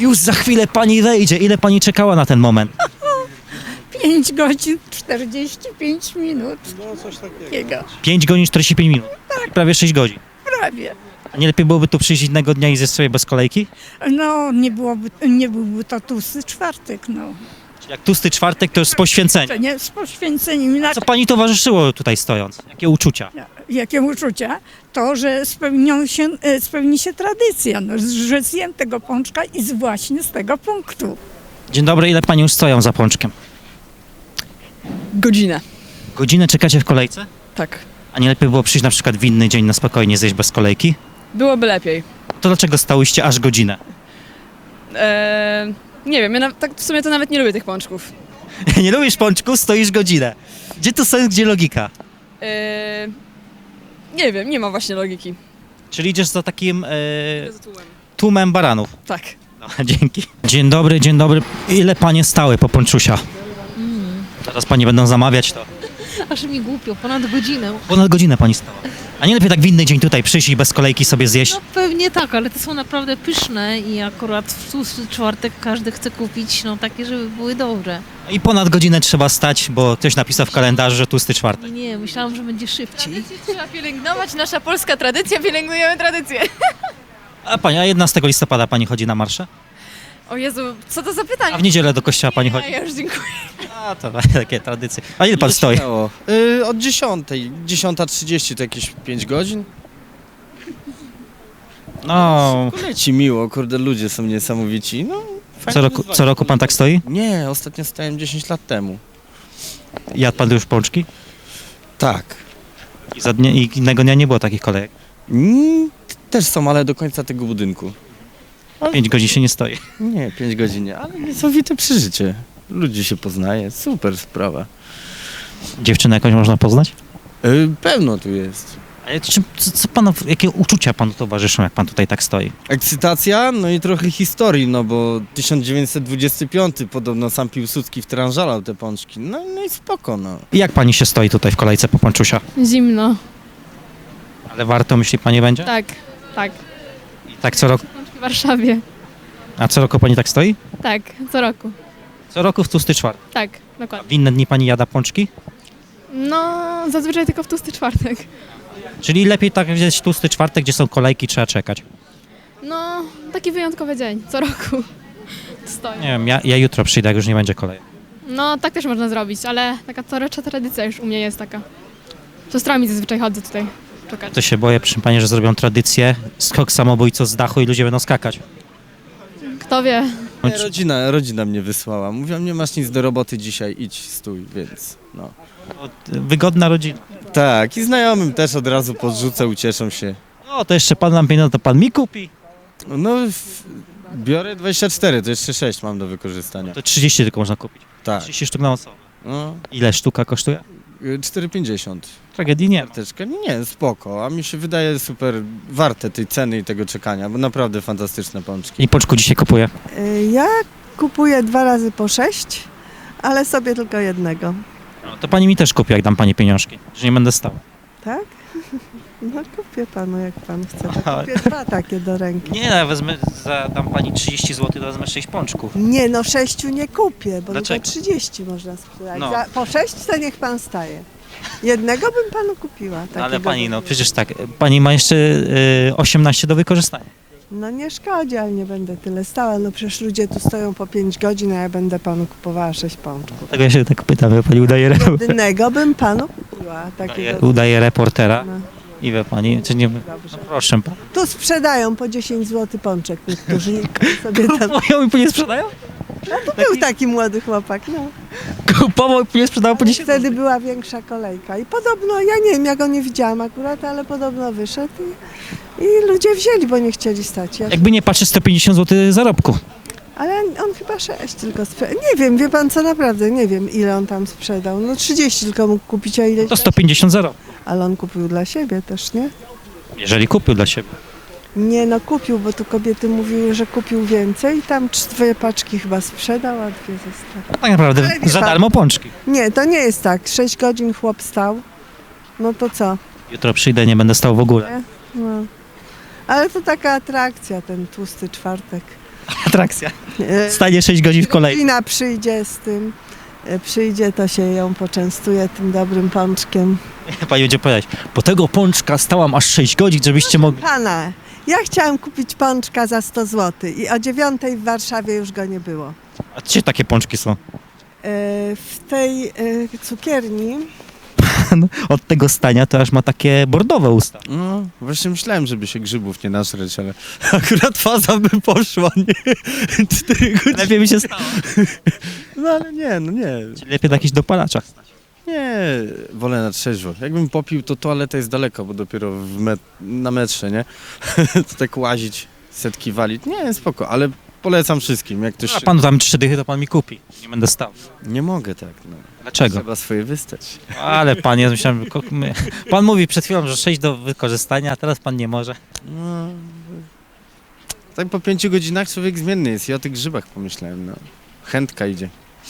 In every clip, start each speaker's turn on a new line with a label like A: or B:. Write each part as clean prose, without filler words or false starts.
A: Już za chwilę pani wejdzie. Ile pani czekała na ten moment?
B: 5 godzin 45 minut.
C: No coś takiego.
A: 5 godzin 45 minut. Prawie 6 godzin.
B: Prawie.
A: A nie lepiej byłoby tu przyjść innego dnia i zjeść sobie bez kolejki?
B: No, nie byłby to tłusty czwartek, no.
A: Jak tłusty czwartek, to już z poświęceniem.
B: To nie z poświęceniem.
A: Co
B: Inaczej,
A: pani towarzyszyło tutaj stojąc? Jakie uczucia?
B: jakie uczucia? To, że spełni się tradycja, no, że zjem tego pączka i właśnie z tego punktu.
A: Dzień dobry, ile pani już stoją za pączkiem?
D: Godzinę.
A: Godzinę czekacie w kolejce?
D: Tak.
A: A nie lepiej było przyjść na przykład w inny dzień na spokojnie zjeść bez kolejki?
D: Byłoby lepiej.
A: To dlaczego stałyście aż godzinę?
D: Nie wiem, ja tak w sumie to nawet nie lubię tych pączków.
A: Nie lubisz pączku, stoisz godzinę. Gdzie tu sens, gdzie logika?
D: Nie wiem, nie ma właśnie logiki.
A: Czyli idziesz za takim tłumem baranów.
D: Tak.
A: No, dzięki. Dzień dobry, dzień dobry. Ile panie stały po ponczusia? Teraz pani będą zamawiać to.
E: Aż mi głupio, ponad godzinę.
A: Ponad godzinę pani stała. A nie lepiej tak w inny dzień tutaj przyjść i bez kolejki sobie zjeść?
E: No pewnie tak, ale te są naprawdę pyszne i akurat w tłusty czwartek każdy chce kupić, no takie, żeby były dobre.
A: I ponad godzinę trzeba stać, bo ktoś napisał w kalendarzu, że tłusty czwartek.
E: Nie, myślałam, że będzie szybciej.
F: Tradycję trzeba pielęgnować, nasza polska tradycja, pielęgnujemy tradycję.
A: A pani, a 11 listopada pani chodzi na marsze?
F: O Jezu, co to za
A: A
F: pytanie?
A: w niedzielę do kościoła pani chodzi?
F: Ja już dziękuję.
A: A to takie tradycje. A ile pan stoi?
C: Od 10. 10:30 to jakieś 5 godzin.
A: No,
C: Leci miło, kurde, ludzie są niesamowici. No, fajne wyzwanie.
A: co roku pan tak stoi?
C: Nie, ostatnio stałem 10 lat temu.
A: Jadł pan już pączki?
C: Tak.
A: I innego dnia nie było takich kolejek.
C: Też są, ale do końca tego budynku.
A: 5 godzin się nie stoi.
C: Nie, 5 godzin nie, ale niesamowite przeżycie. Ludzi się poznaje, super sprawa.
A: Dziewczynę jakąś można poznać?
C: Pełno tu jest.
A: Ale co panu, jakie uczucia panu towarzyszą, jak pan tutaj tak stoi?
C: Ekscytacja, no i trochę historii, no bo 1925 podobno sam Piłsudski wtrążalał te pączki. No i spoko, no.
A: I jak pani się stoi tutaj w kolejce po ponczusia?
G: Zimno.
A: Ale warto, myśli pani, będzie?
G: Tak, tak.
A: I tak co roku?
G: W Warszawie.
A: A co roku pani tak stoi?
G: Tak, co roku.
A: Co roku w tłusty czwartek.
G: Tak,
A: A
G: dokładnie.
A: w inne dni pani jada pączki?
G: No, zazwyczaj tylko w tłusty czwartek.
A: Czyli lepiej tak wziąć tłusty czwartek, gdzie są kolejki, trzeba czekać.
G: No, taki wyjątkowy dzień, co roku. Stoję.
A: Nie wiem, ja jutro przyjdę, jak już nie będzie kolejek.
G: No, tak też można zrobić, ale taka coroczna tradycja już u mnie jest taka. Z siostrami zazwyczaj chodzę tutaj czekać.
A: To się boję, proszę pani, że zrobią tradycję, skok samobójców z dachu i ludzie będą skakać.
G: Kto wie.
C: Nie, rodzina mnie wysłała. Mówią, nie masz nic do roboty dzisiaj, idź, stój, więc no.
A: Wygodna rodzina.
C: Tak, i znajomym też od razu podrzucę, ucieszą się.
A: No, to jeszcze pan nam pieniądze, to pan mi kupi.
C: No, biorę 24, to jeszcze 6 mam do wykorzystania.
A: To 30 tylko można kupić.
C: Tak,
A: 30 sztuk na osobę.
C: no,
A: Ile sztuka kosztuje?
C: 4,50.
A: Tragedii nie ma.
C: Karteczka, nie, spoko, a mi się wydaje super warte tej ceny i tego czekania, bo naprawdę fantastyczne pączki.
A: I pączku dzisiaj kupuję.
H: Ja kupuję 2 razy po 6, ale sobie tylko jednego.
A: No, to pani mi też kupi, jak dam pani pieniążki, że nie będę stał.
H: Tak? No kupię panu, jak pan chce.
A: Aha.
H: To kupię 2 takie do ręki.
A: Nie, no, wezmę, dam pani 30 zł, to wezmę 6 pączków.
H: Nie, no 6 nie kupię, bo
A: Dlaczego?
H: tylko 30 można sprzedać.
A: No.
H: Po 6 to niech pan staje. Jednego bym panu kupiła.
A: No,
H: takiego
A: ale pani, no
H: do-
A: przecież tak, pani ma jeszcze 18 do wykorzystania.
H: No nie szkodzi, ale nie będę tyle stała. No przecież ludzie tu stoją po 5 godzin, a ja będę panu kupowała 6 pączków.
A: Tego ja się tak pytam, wie pani
H: Jednego bym panu kupiła. Takiego...
A: udaje reportera
H: No,
A: i wie pani, czy nie... No
H: dobrze.
A: proszę pan.
H: Tu sprzedają po 10 zł pączek niektórzy. Sobie tam...
A: Kupują i później sprzedają?
H: Był taki młody chłopak, no.
A: Kupował i później sprzedawał po 10
H: Wtedy była większa kolejka i podobno, ja nie wiem, ja go nie widziałam akurat, ale podobno wyszedł i ludzie wzięli, bo nie chcieli stać.
A: Jakby nie patrzeć, 150 zł zarobku.
H: Ale on chyba 6 tylko sprzedał. Nie wiem, wie pan co, naprawdę, nie wiem ile on tam sprzedał. No 30 tylko mógł kupić, a ile...
A: To 150 zarobku.
H: Ale on kupił dla siebie też, nie?
A: Jeżeli kupił dla siebie.
H: Nie, no kupił, bo tu kobiety mówiły, że kupił więcej i tam 2 paczki chyba sprzedał, a 2 zostały.
A: Tak naprawdę
H: Ale wie
A: za
H: pan-
A: darmo pączki.
H: Nie, to nie jest tak. 6 godzin chłop stał. No to co?
A: Jutro przyjdę, nie będę stał w ogóle.
H: No. Ale to taka atrakcja, ten tłusty czwartek.
A: atrakcja.
H: E,
A: Stanie 6 godzin w kolejce.
H: Kina przyjdzie z tym, przyjdzie, to się ją poczęstuje tym dobrym pączkiem.
A: Pani będzie powiedzieć, po tego pączka stałam aż 6 godzin, żebyście mogli...
H: Pana, ja chciałam kupić pączka za 100 zł i o 9 w Warszawie już go nie było.
A: A gdzie takie pączki są?
H: W tej cukierni
A: Od tego stania to aż ma takie bordowe usta.
C: No, właśnie myślałem, żeby się grzybów nie nażreć, ale akurat faza by poszła, nie? 4 godziny.
A: Lepiej mi się stało.
C: No ale nie, no nie.
A: Czyli lepiej na jakichś dopalaczach.
C: Nie, wolę na trzeźwo. Jakbym popił, to toaleta jest daleko, bo dopiero na metrze, nie? To tak łazić, setki walić. Nie, spoko, ale polecam wszystkim. Jak ktoś...
A: A panu tam 3 dychy, to pan mi kupi. Nie będę stał.
C: Nie mogę tak, no.
A: Dlaczego?
C: Trzeba swoje wystać.
A: Ale pan, ja myślałem, pan mówi przed chwilą, że 6 do wykorzystania, a teraz pan nie może.
C: No, tak po 5 godzinach człowiek zmienny jest. I o tych grzybach pomyślałem, no. Chętka idzie.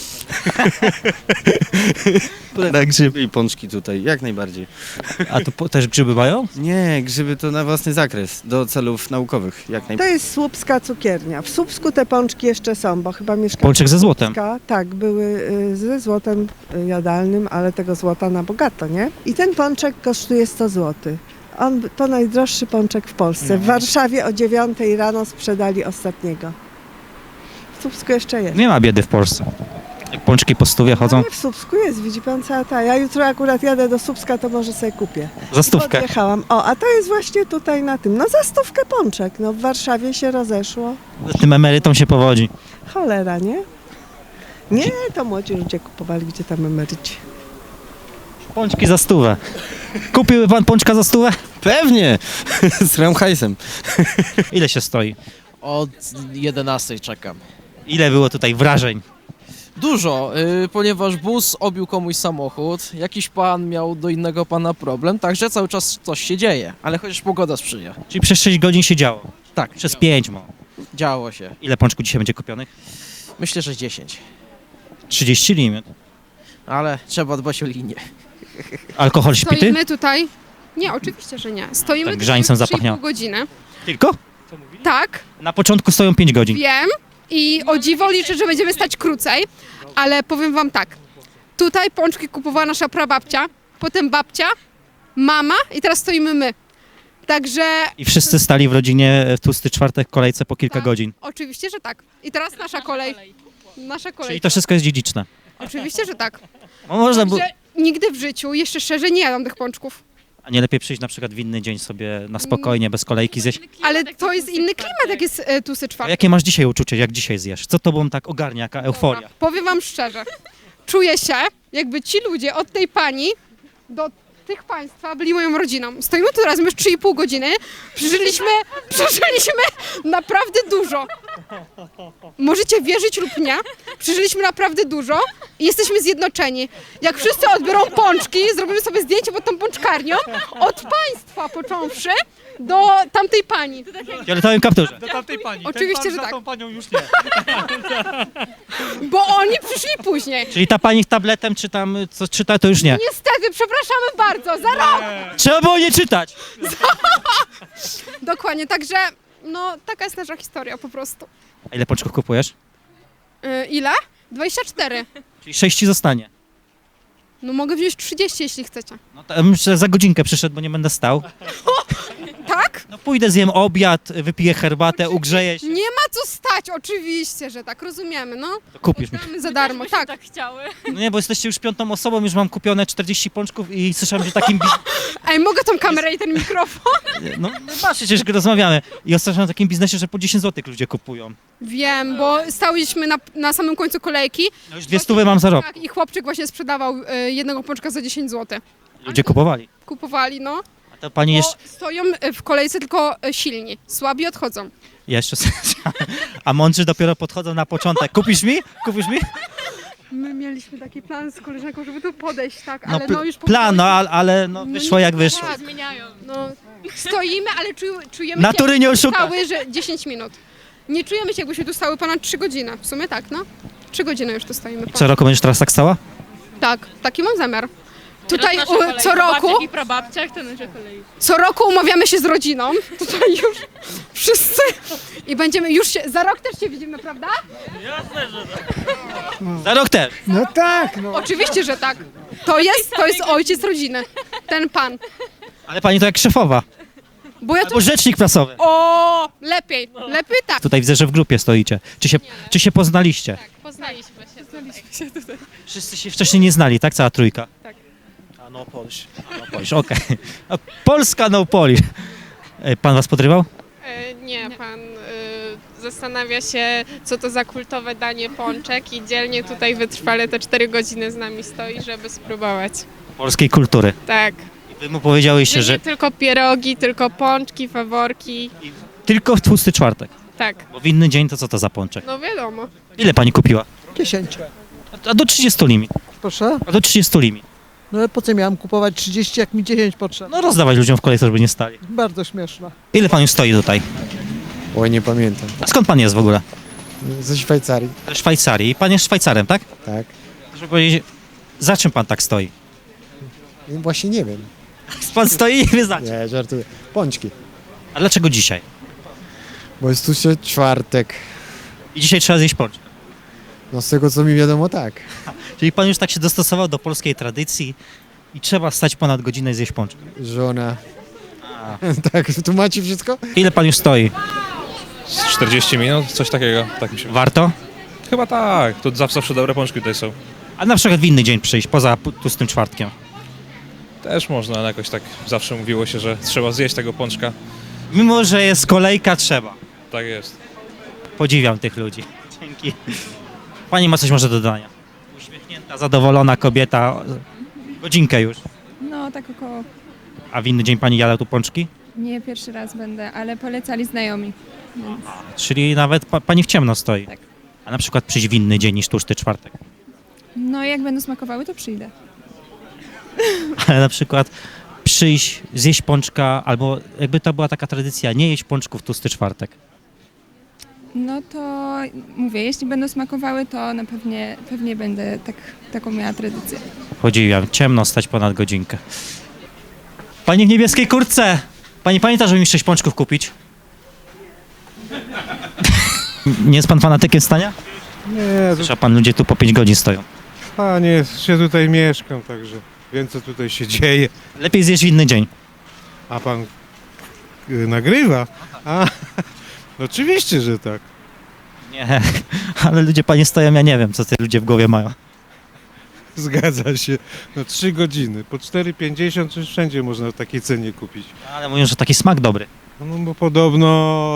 A: Na grzyby.
C: I pączki tutaj, jak najbardziej.
A: A tu też grzyby mają?
C: Nie, grzyby to na własny zakres, do celów naukowych, jak
H: to
C: najbardziej.
H: jest słupska cukiernia. W Słupsku te pączki jeszcze są, bo chyba mieszkam.
A: Pączek ze złotem.
H: Tak, były ze złotem jadalnym, ale tego złota na bogato, nie? I ten pączek kosztuje 100 zł. To najdroższy pączek w Polsce. W Warszawie o 9 rano sprzedali ostatniego. W Słupsku jeszcze jest.
A: Nie ma biedy w Polsce. Jak pączki po stówie chodzą,
H: Ale w Słupsku jest, widzi pan cała ta. Ja jutro akurat jadę do Słupska, to może sobie kupię.
A: za stówkę.
H: Podjechałam. O, a to jest właśnie tutaj na tym. No za 100 pączek. No w Warszawie się rozeszło.
A: Tym emerytom się powodzi.
H: Cholera, nie? Nie, to młodzi ludzie kupowali, gdzie tam emeryci.
A: Pączki za 100. Kupiłby pan pączka za 100?
C: Pewnie! Z Ramhajsem.
A: Ile się stoi?
I: Od 11 czekam.
A: Ile było tutaj wrażeń?
I: Dużo, ponieważ bus obił komuś samochód, jakiś pan miał do innego pana problem, także cały czas coś się dzieje, ale chociaż pogoda sprzyja.
A: Czyli przez 6 godzin się działo.
I: Tak,
A: Przez 5 mo.
I: działo się.
A: Ile pączków dzisiaj będzie kupionych?
I: Myślę, że 10,
A: 30 limit.
I: ale trzeba dbać o linię.
A: Alkohol śpity?
J: Stoimy tutaj. Nie, oczywiście, że nie. Stoimy
A: Tak
J: tutaj
A: grzańcem
J: już 3,5
A: zapachniało.
J: godziny.
A: Tylko?
J: Tak,
A: Na początku stoją 5 godzin.
J: wiem i o dziwo liczę, że będziemy stać krócej, ale powiem wam tak. Tutaj pączki kupowała nasza prababcia, potem babcia, mama i teraz stoimy my. Także
A: I wszyscy stali w rodzinie w tłusty czwartek w kolejce po kilka
J: Tak.
A: godzin.
J: oczywiście, że tak. I teraz nasza kolej. Nasza kolej.
A: Czyli to wszystko jest dziedziczne.
J: Oczywiście, że tak.
A: No można było...
J: Także nigdy w życiu, jeszcze szczerze, nie jadam tych pączków.
A: A nie lepiej przyjść na przykład w inny dzień sobie na spokojnie, bez kolejki zjeść?
J: Ale to jest inny klimat, jak jest tłusty
A: A
J: czwartek.
A: jakie masz dzisiaj uczucie, jak dzisiaj zjesz? Co tobą tak ogarnia, jaka euforia?
J: Dobra, powiem wam szczerze. Czuję się, jakby ci ludzie od tej pani do tych państwa byli moją rodziną. Stoimy tu razem już 3,5 godziny. Przeżyliśmy naprawdę dużo. Możecie wierzyć lub nie. Przeżyliśmy naprawdę dużo i jesteśmy zjednoczeni. Jak wszyscy odbiorą pączki, zrobimy sobie zdjęcie pod tą pączkarnią, od państwa począwszy do tamtej pani.
A: W fioletowym kapturze.
J: Oczywiście, że tak. Bo oni przyszli później.
A: Czyli ta pani tabletem czy tam co czyta, to już nie.
J: Niestety, przepraszamy bardzo, za rok!
A: Trzeba było nie czytać!
J: Dokładnie, także no taka jest nasza historia po prostu.
A: A ile pączków kupujesz?
J: Ile? 24.
A: Czyli 6 ci zostanie.
J: No mogę wziąć 30, jeśli chcecie.
A: No to myślę, że za godzinkę przyszedł, bo nie będę stał.
J: Tak?
A: No pójdę, zjem obiad, wypiję herbatę, ugrzeję się.
J: Nie ma co stać, oczywiście, że tak, rozumiemy, no.
A: To kupisz mi.
J: Mamy za darmo, tak.
A: No nie, bo jesteście już 5. osobą, już mam kupione 40 pączków i słyszałem, że takim...
J: Ej, mogę tą kamerę i ten mikrofon?
A: No masz, przecież rozmawiamy. I ostatnio o takim biznesie, że po 10 zł ludzie kupują.
J: Wiem, bo stałyśmy na samym końcu kolejki.
A: No już 200 mam za rok.
J: Tak, i chłopczyk właśnie sprzedawał jednego pączka za 10 zł.
A: Ludzie kupowali.
J: Kupowali, no.
A: A to pani
J: Bo
A: jeszcze...
J: stoją w kolejce tylko silni, słabi odchodzą.
A: Jeszcze... A mądrzy dopiero podchodzą na początek. Kupisz mi? Kupisz mi?
J: My mieliśmy taki plan z koleżanką, żeby tu podejść, tak,
A: No,
J: ale no już
A: plan, no ale no, wyszło jak wyszło.
J: Tak, no, stoimy, ale czujemy
A: Natury nie oszuka.
J: stały, że 10 minut. Nie czujemy się, jakbyśmy tu stały ponad 3 godziny. W sumie tak, no. 3 godziny już tu stoimy.
A: Co roku będziesz teraz tak stała?
J: Tak, taki mam zamiar. tutaj co roku,
G: I prababciach, to nasza kolej.
J: co roku umawiamy się z rodziną. Tutaj już wszyscy. I będziemy już się, za rok też się widzimy, prawda?
A: Za rok też.
H: No tak, no.
J: Oczywiście, że tak. To jest ojciec rodziny. Ten pan.
A: Ale pani to jak szefowa.
J: Bo ja tu...
A: Albo rzecznik prasowy.
J: O, lepiej tak.
A: Tutaj widzę, że w grupie stoicie. Czy się poznaliście?
G: Poznaliśmy się.
A: Wszyscy się wcześniej nie znali, tak? Cała trójka?
G: Tak.
A: A no Polish. Okej. A Polska no Polish. Pan was podrywał?
G: Nie, pan zastanawia się, co to za kultowe danie pączek i dzielnie tutaj wytrwale te 4 godziny z nami stoi, żeby spróbować.
A: Polskiej kultury.
G: Tak.
A: I wy mu powiedziałyście, że
G: Nie tylko pierogi, tylko pączki, faworki.
A: tylko w tłusty czwartek.
G: Tak,
A: Bo w inny dzień to co to za pączek?
G: no wiadomo.
A: Ile pani kupiła?
K: 10.
A: A do 30 limit.
K: Proszę?
A: A do 30 limit.
K: No ale po co miałem kupować 30, jak mi 10 potrzeba?
A: No rozdawać ludziom w kolejce, żeby nie stali.
K: Bardzo śmieszne.
A: Ile pan już stoi tutaj?
C: Oj, nie pamiętam.
A: A skąd pan jest w ogóle?
C: Ze Szwajcarii.
A: Ze Szwajcarii. I pan jest Szwajcarem, tak?
C: Tak.
A: Żeby powiedzieć, za czym pan tak stoi?
C: Właśnie nie wiem.
A: Pan stoi i wie za czym.
C: Nie, żartuję. Pączki.
A: A dlaczego dzisiaj?
C: Bo jest tu się czwartek.
A: I dzisiaj trzeba zjeść pączek.
C: No z tego co mi wiadomo, tak.
A: Czyli pan już tak się dostosował do polskiej tradycji i trzeba stać ponad godzinę i zjeść pączek.
C: Żona. Tak, tu macie wszystko?
A: Ile pan już stoi?
L: 40 minut, coś takiego, tak mi się.
A: Warto?
L: Chyba tak, tu zawsze dobre pączki tutaj są.
A: A na przykład w inny dzień przyjść, poza tłustym czwartkiem.
L: Też można, ale jakoś tak zawsze mówiło się, że trzeba zjeść tego pączka.
A: Mimo, że jest kolejka, trzeba.
L: Tak jest.
A: Podziwiam tych ludzi. Dzięki. Pani ma coś może do dodania? Uśmiechnięta, zadowolona kobieta. Godzinkę już.
F: No, tak około.
A: A w inny dzień pani jada tu pączki?
F: Nie pierwszy raz będę, ale polecali znajomi.
A: Czyli nawet pani w ciemno stoi.
F: Tak.
A: A na przykład przyjść w inny dzień niż tłusty czwartek.
F: No, jak będą smakowały, to przyjdę.
A: Ale na przykład przyjść, zjeść pączka, albo jakby to była taka tradycja, nie jeść pączków w tłusty czwartek.
F: No to mówię, jeśli będą smakowały, to na pewnie będę taką miała tradycję.
A: Podziwiam, ciemno stać ponad godzinkę. Pani w niebieskiej kurtce! Pani pamięta, żeby mi 6 pączków kupić? Nie jest pan fanatykiem stania?
M: Nie,
A: Słyszał pan, ludzie tu po 5 godzin stoją.
M: panie, się tutaj mieszkam, także wiem co tutaj się dzieje.
A: Lepiej zjeść w inny dzień.
M: A pan nagrywa? A, oczywiście, że tak.
A: Nie, ale ludzie panie stoją, ja nie wiem, co te ludzie w głowie mają.
M: Zgadza się. No 3 godziny, po 4,50 czy wszędzie można w takiej cenie kupić.
A: Ale mówią, że taki smak dobry.
M: No bo podobno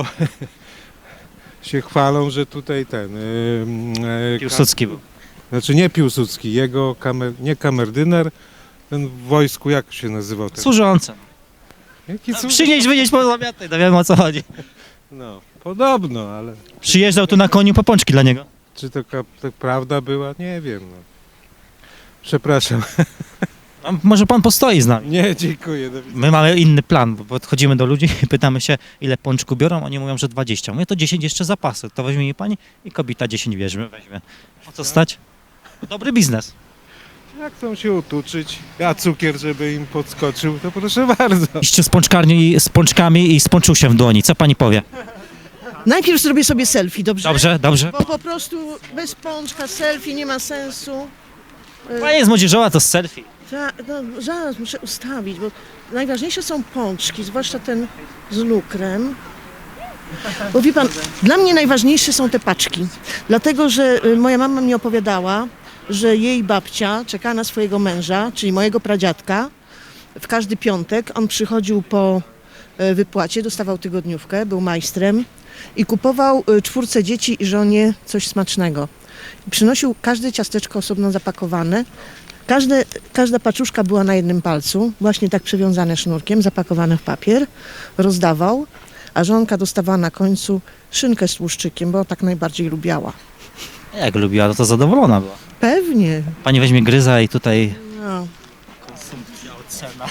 M: się chwalą, że tutaj ten...
A: Piłsudski był.
M: Znaczy nie Piłsudski, jego nie kamerdyner, ten w wojsku, jak się nazywał? Ten?
A: Służący.
M: Jaki
A: Przynieść, wynieść po zamiatej, to wiemy o co chodzi.
M: No, podobno, ale
A: Przyjeżdżał tu na koniu po pączki dla niego.
M: czy to prawda była? Nie wiem. No. Przepraszam.
A: A może pan postoi z nami?
M: Nie, dziękuję. Do widzenia.
A: My mamy inny plan, bo podchodzimy do ludzi i pytamy się, ile pączku biorą, oni mówią, że 20. Mówię, to 10 jeszcze zapasy, to weźmie mi pani i kobieta 10 weźmie. O co stać? Dobry biznes.
M: Jak chcą się utuczyć, a cukier, żeby im podskoczył, to proszę bardzo.
A: Iście z pączkarni, z pączkami i z pączuszem w dłoni. Co pani powie?
K: Najpierw zrobię sobie selfie, dobrze?
A: Dobrze, dobrze.
K: Bo po prostu bez pączka selfie nie ma sensu.
A: Pani jest młodzieżowa, to z selfie.
K: No, zaraz muszę ustawić, bo najważniejsze są pączki, zwłaszcza ten z lukrem. Bo wie pan, dla mnie najważniejsze są te paczki. Dlatego, że moja mama mi opowiadała, że jej babcia czeka na swojego męża, czyli mojego pradziadka, w każdy piątek. On przychodził po wypłacie, dostawał tygodniówkę, był majstrem i kupował 4 dzieci i żonie coś smacznego. I przynosił każde ciasteczko osobno zapakowane. Każda paczuszka była na jednym palcu, właśnie tak przywiązane sznurkiem, zapakowane w papier, rozdawał, a żonka dostawała na końcu szynkę z tłuszczykiem, bo tak najbardziej lubiała.
A: Jak lubiła, to zadowolona była.
K: Pewnie.
A: Pani weźmie gryza i tutaj...
K: No.
A: Konsumpcja, ocena.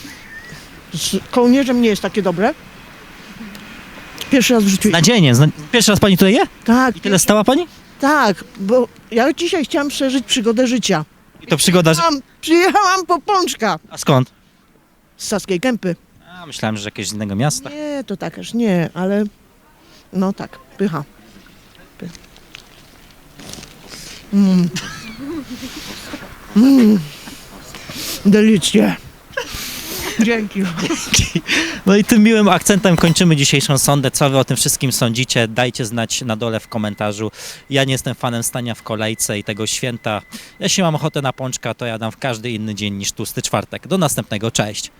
K: Z kołnierzem nie jest takie dobre. Pierwszy raz w życiu.
A: Nadzienie. Pierwszy raz pani tutaj je?
K: Tak.
A: I tyle stała pani?
K: Tak, bo ja dzisiaj chciałam przeżyć przygodę życia.
A: I to przygoda, że...
K: Przyjechałam po pączka
A: A skąd?
K: z Saskiej Kępy.
A: A, myślałem, że jakiegoś innego miasta.
K: Nie, to takaż nie, ale no tak, pycha. Delicznie. Dzięki.
A: No i tym miłym akcentem kończymy dzisiejszą sondę. Co wy o tym wszystkim sądzicie? Dajcie znać na dole w komentarzu. Ja nie jestem fanem stania w kolejce i tego święta. Jeśli mam ochotę na pączka, to ja dam w każdy inny dzień niż tłusty czwartek. Do następnego, cześć!